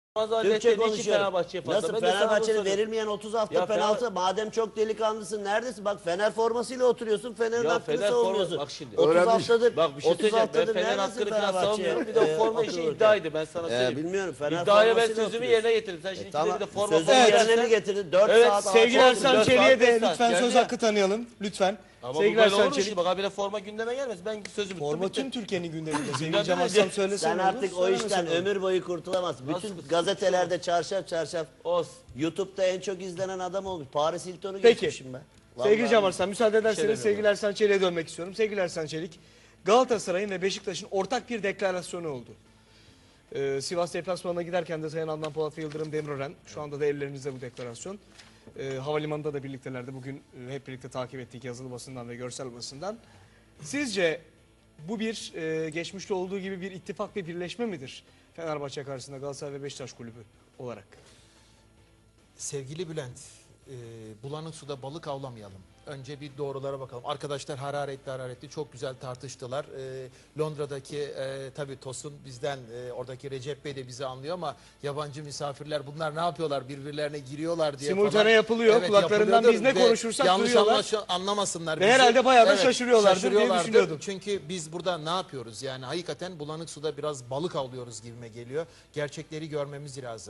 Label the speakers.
Speaker 1: Türkçe
Speaker 2: iki
Speaker 1: konuşuyorum.
Speaker 2: Fenerbahçe'ye fazla.
Speaker 1: Nasıl
Speaker 2: Ben de sana bunu
Speaker 1: Fenerbahçe'nin
Speaker 2: soruyorum.
Speaker 1: verilmeyen 30 hafta
Speaker 2: Ya
Speaker 1: penaltı? Madem çok delikanlısın neredesin? Bak Fener formasıyla oturuyorsun. Fener'in
Speaker 2: Ya
Speaker 1: hakkını
Speaker 2: Fener
Speaker 1: savunuyorsun.
Speaker 2: bak şimdi.
Speaker 1: 30
Speaker 3: Öğrenmiş.
Speaker 1: haftadır.
Speaker 2: Bak bir şey
Speaker 1: 30
Speaker 2: söyleyeceğim. Ben
Speaker 1: haftadır
Speaker 2: Fener
Speaker 1: neredesin
Speaker 2: hakkını falan
Speaker 1: Fenerbahçe'ye?
Speaker 2: savunmuyorum. Bir de o forma işi
Speaker 1: otururken?
Speaker 2: iddiaydı, ben sana söyleyeyim.
Speaker 1: Bilmiyorum. Fener
Speaker 2: İddiayı ben
Speaker 1: formasıyla
Speaker 2: sözümü
Speaker 1: oturuyorsun.
Speaker 2: yerine getirdim. Sen şimdi
Speaker 1: Tamam.
Speaker 2: bir de forma
Speaker 1: Sözün
Speaker 2: falan
Speaker 1: yerine
Speaker 2: dersen-
Speaker 1: mi getirdin? 4
Speaker 2: Evet,
Speaker 1: saat
Speaker 4: Sevgili
Speaker 1: ağaç
Speaker 4: Ersan
Speaker 2: dört
Speaker 4: Çelik'e
Speaker 2: saat,
Speaker 4: de
Speaker 2: beş saat
Speaker 4: lütfen
Speaker 2: geldi
Speaker 4: söz
Speaker 2: ya.
Speaker 4: hakkı tanıyalım. Lütfen.
Speaker 2: Ama bu
Speaker 4: Sevgili
Speaker 2: böyle
Speaker 4: Ersan
Speaker 2: olur mu
Speaker 4: Çelik.
Speaker 2: şimdi? Bak habire forma gündeme gelmez. Ben sözümü
Speaker 4: Forma
Speaker 2: tuttum.
Speaker 4: tüm Türkiye'nin gündeminde. Sevgili
Speaker 2: Gündemde
Speaker 4: Cem
Speaker 2: de-
Speaker 4: Aslan söylese
Speaker 1: Sen
Speaker 4: ne olur,
Speaker 1: artık o
Speaker 4: söylemese
Speaker 1: işten
Speaker 4: ne olur.
Speaker 1: ömür boyu kurtulamazsın. Bütün
Speaker 2: Nasıl
Speaker 1: gazetelerde çarşaf
Speaker 2: Olsun.
Speaker 1: YouTube'da en çok izlenen adam olmuş. Paris Hilton'u
Speaker 4: Peki.
Speaker 1: geçmişim ben.
Speaker 4: Sevgili
Speaker 1: Vallahi.
Speaker 4: Cem Arslan müsaade ederseniz
Speaker 2: demiyorum.
Speaker 4: sevgili Ersan Çelik'e dönmek istiyorum. Sevgili Ersan Çelik, Galatasaray'ın ve Beşiktaş'ın ortak bir deklarasyonu oldu. Sivas deplasmanına giderken de Sayın Adnan Polat ve Yıldırım Demirören, şu anda da ellerinizde bu deklarasyon. Havalimanında da birliktelerdi. Bugün hep birlikte takip ettik yazılı basından ve görsel basından. Sizce bu bir geçmişte olduğu gibi bir ittifak ve birleşme midir? Fenerbahçe karşısında Galatasaray ve Beşiktaş kulübü olarak.
Speaker 5: Sevgili Bülent, bulanık suda balık avlamayalım. Önce bir doğrulara bakalım. Arkadaşlar hararetli çok güzel tartıştılar. Londra'daki tabii Tosun bizden, oradaki Recep Bey de bizi anlıyor ama yabancı misafirler bunlar ne yapıyorlar, birbirlerine giriyorlar diye
Speaker 4: Simultane
Speaker 5: falan.
Speaker 4: yapılıyor. Kulaklarından
Speaker 5: yapılıyordur
Speaker 4: biz ne
Speaker 5: ve
Speaker 4: konuşursak
Speaker 5: yanlış
Speaker 4: duyuyorlar.
Speaker 5: anlamasınlar
Speaker 4: Ve
Speaker 5: bizi.
Speaker 4: herhalde bayağı da şaşırıyorlardır diye düşünüyordum.
Speaker 5: Çünkü biz burada ne yapıyoruz? Yani hakikaten bulanık suda biraz balık avlıyoruz gibime geliyor. Gerçekleri görmemiz lazım.